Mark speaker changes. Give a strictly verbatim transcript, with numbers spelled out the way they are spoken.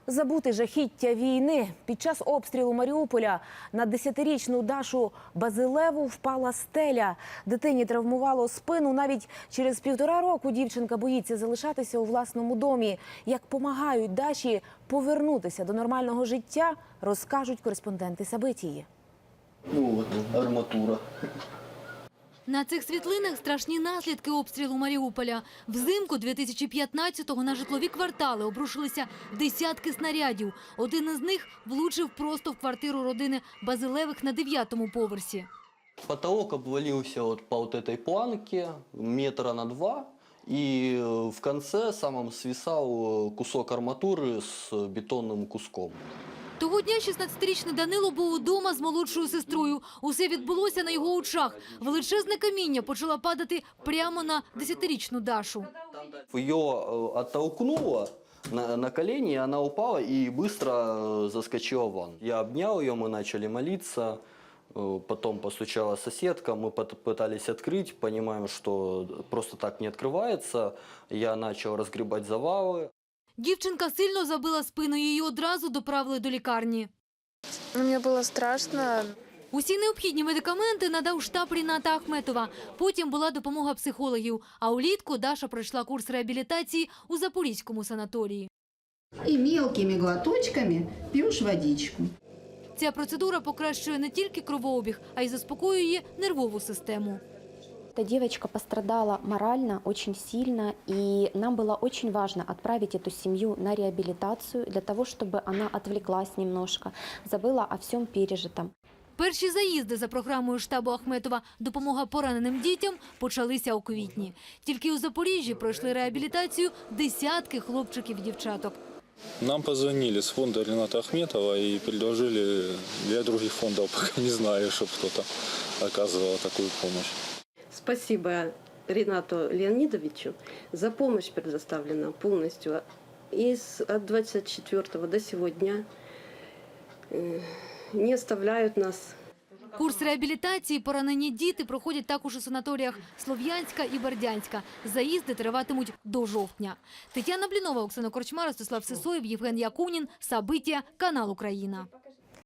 Speaker 1: Забути жахіття війни. Під час обстрілу Маріуполя на десятирічну Дашу Базилеву впала стеля. Дитині травмувало спину. Навіть через півтора року дівчинка боїться залишатися у власному домі. Як помагають Даші повернутися до нормального життя, розкажуть кореспонденти Сабитії.
Speaker 2: Ну от, арматура.
Speaker 3: На цих світлинах страшні наслідки обстрілу Маріуполя. Взимку дві тисячі п'ятнадцятого на житлові квартали обрушилися десятки снарядів. Один із них влучив просто в квартиру родини Базилевих на дев'ятому поверсі.
Speaker 2: Потолок обвалился вот по вот этой планке метра на два. И в конце самом свисал кусок арматуры с бетонным куском.
Speaker 3: Того дня шістнадцятирічний Данило був удома з молодшою сестрою. Усе відбулося на його очах. Величезне каміння почало падати прямо на десятирічну Дашу.
Speaker 2: Ее оттолкнуло на, на колени, она упала и быстро заскочила в ванну. Я обнял ее, мы начали молиться. Потом постучала соседка, мы пытались открыть, понимаем, что просто так не открывается. Я начал разгребать завалы.
Speaker 3: Дівчинка сильно забила спину, її одразу доправили до лікарні.
Speaker 4: Мені було страшно.
Speaker 3: Усі необхідні медикаменти надав штаб Ріната Ахметова. Потім була допомога психологів. А улітку Даша пройшла курс реабілітації у Запорізькому санаторії.
Speaker 5: І мілкими глоточками п'єш водичку.
Speaker 3: Ця процедура покращує не тільки кровообіг, а й заспокоює нервову систему.
Speaker 6: Эта девочка пострадала морально очень сильно, и нам было очень важно отправить эту семью на реабилитацию для того, чтобы она отвлеклась немножко, забыла о всем пережитом.
Speaker 3: Перші заїзди за програмою штабу Ахметова «Допомога пораненим дітям» почалися у квітні. Тільки у Запоріжжі пройшли реабілітацію десятки хлопчиків і дівчаток.
Speaker 7: Нам позвонили с фонда Рината Ахметова и предложили для других фондов, пока не знаю, чтобы кто-то оказывал такую помощь.
Speaker 8: Спасибо Ринату Леонидовичу за помощь, предоставленную полностью. И от двадцать четвёртого до сегодня не оставляют нас.
Speaker 3: Курс реабілітації поранені діти проходять також у санаторіях Слов'янська і Бердянська. Заїзди триватимуть до жовтня. Тетяна Блінова, Оксана Корчма, Ростислав Сисоєв, Євген Якунін, Сабитія, канал Україна.